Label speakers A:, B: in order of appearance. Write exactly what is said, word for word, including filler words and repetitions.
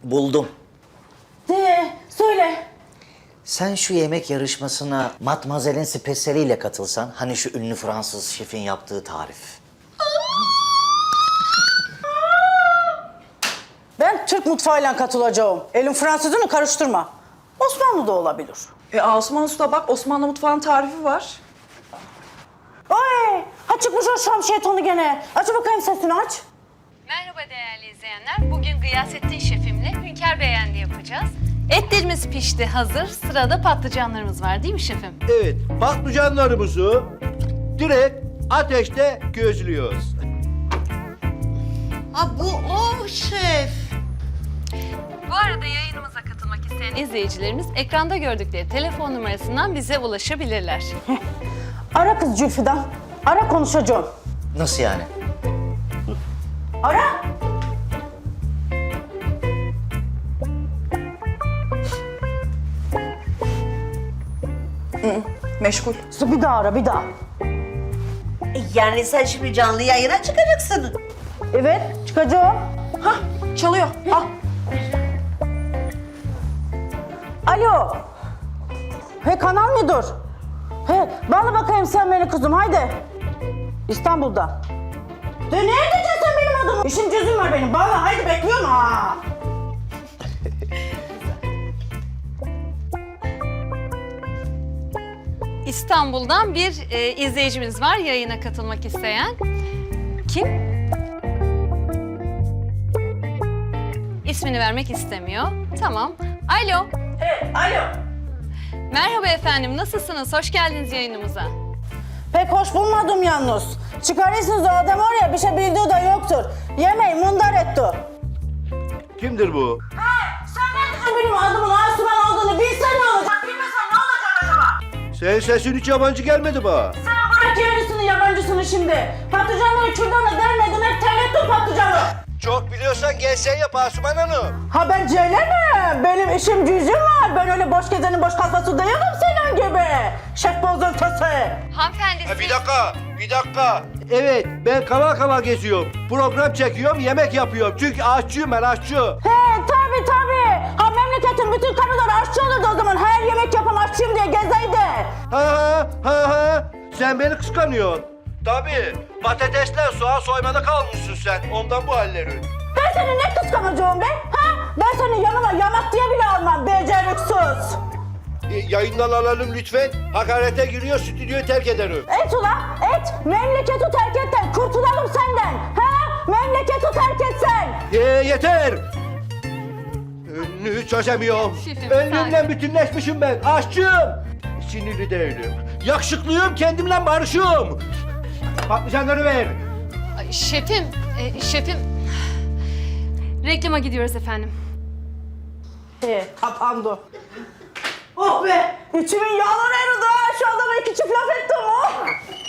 A: Buldum.
B: De, söyle.
A: Sen şu yemek yarışmasına Matmazel'in spesiyeliyle katılsan, hani şu ünlü Fransız şefin yaptığı tarif.
B: Ben Türk mutfağıyla katılacağım. Elin Fransızını karıştırma. Osmanlı da olabilir.
C: E Asuman Usta bak Osmanlı mutfağının tarifi var.
B: Ay, ha çıkmış o Şam şeytanı gene. Aç bakayım sesini aç.
D: Merhaba değerli izleyenler. Bugün Gıyasettin şefimle Hünkar Beğendi yapacağız. Etlerimiz pişti, hazır. Sırada patlıcanlarımız var değil mi şefim?
E: Evet, patlıcanlarımızı direkt ateşte gözlüyoruz.
F: Ha bu o şef.
D: Bu arada yayınımıza katılmak isteyen izleyicilerimiz ekranda gördükleri telefon numarasından bize ulaşabilirler.
B: Ara kız Zülfü'den. Ara konuşacağım.
A: Nasıl yani?
B: Ara.
C: Meşgul.
B: Bir daha ara, bir daha.
F: E, Yani sen şimdi canlı yayına çıkacaksın.
B: Evet, çıkacağım.
C: Hah çalıyor. Al.
B: Alo. He kanal müdür. He bağla bakayım sen beni kızım haydi. İstanbul'da. De nerede sen benim adamım? İşim cüzüm var benim. Bağla haydi bekliyorum ha.
D: İstanbul'dan bir e, izleyicimiz var yayına katılmak isteyen. Kim? İsmini vermek istemiyor. Tamam. Alo.
B: He alo.
D: Merhaba efendim. Nasılsınız? Hoş geldiniz yayınımıza.
B: Pek hoş bulmadım yalnız. Çıkarırsınız o adam oraya bir şey bildiği de yoktur. Yemeği mundar etti.
E: Kimdir bu?
B: Sen benim adımın Asuman olduğunu bilsen ne olacak? Bilmesen ne olacak acaba?
E: Senin sesin hiç yabancı gelmedi bana.
B: Sen bırak yerlisini yabancısını şimdi. Patlıcanları kürdanla dermedin hep terlettin patlıcanı.
E: Çok biliyorsan gelsen yap Asuman Hanım.
B: Ha ben Ceylan'ım. Benim işim gücüm var. Ben öyle boş gezenin boş kafası değilim senin gibi. Şef bozuntusu.
D: Hanımefendi
E: Ha, bir
D: siz...
E: dakika, bir dakika. Evet, ben kanal kanal geziyorum. Program çekiyorum, yemek yapıyorum. Çünkü aşçıyım ben, aşçı.
B: He tabi tabi. Ha memleketin bütün karıları aşçı olurdu o zaman. Her yemek yapan aşçıyım diye gezeydi.
E: Ha ha ha ha. Sen beni kıskanıyorsun. Tabii, patatesler soğan soymada kalmışsın sen. Ondan bu hallerin.
B: Ben seni ne kıskanacağım be? Ha? Ben seni yanıma yamak diye bile almam beceriksiz.
E: E, yayından alalım lütfen. Hakarete giriyor, stüdyoyu terk ederim.
B: Et ulan et. Memleketi terk etten kurtulalım senden. Ha? Memleketi terk etsen.
E: Ye, yeter! Önünü çözemiyorum.
D: Şefim,
E: Önlüğümle
D: sen-
E: bütünleşmişim ben. Aşçıyım. Sinirli değilim. Yakışıklıyım, kendimle barışığım. Patlıcanları ver.
D: Ay, Şefim, e, şefim... Reklama gidiyoruz efendim.
B: He kapandı. Oh be! İçimin yağları eridi ha. Şu adama iki çift laf ettim oh.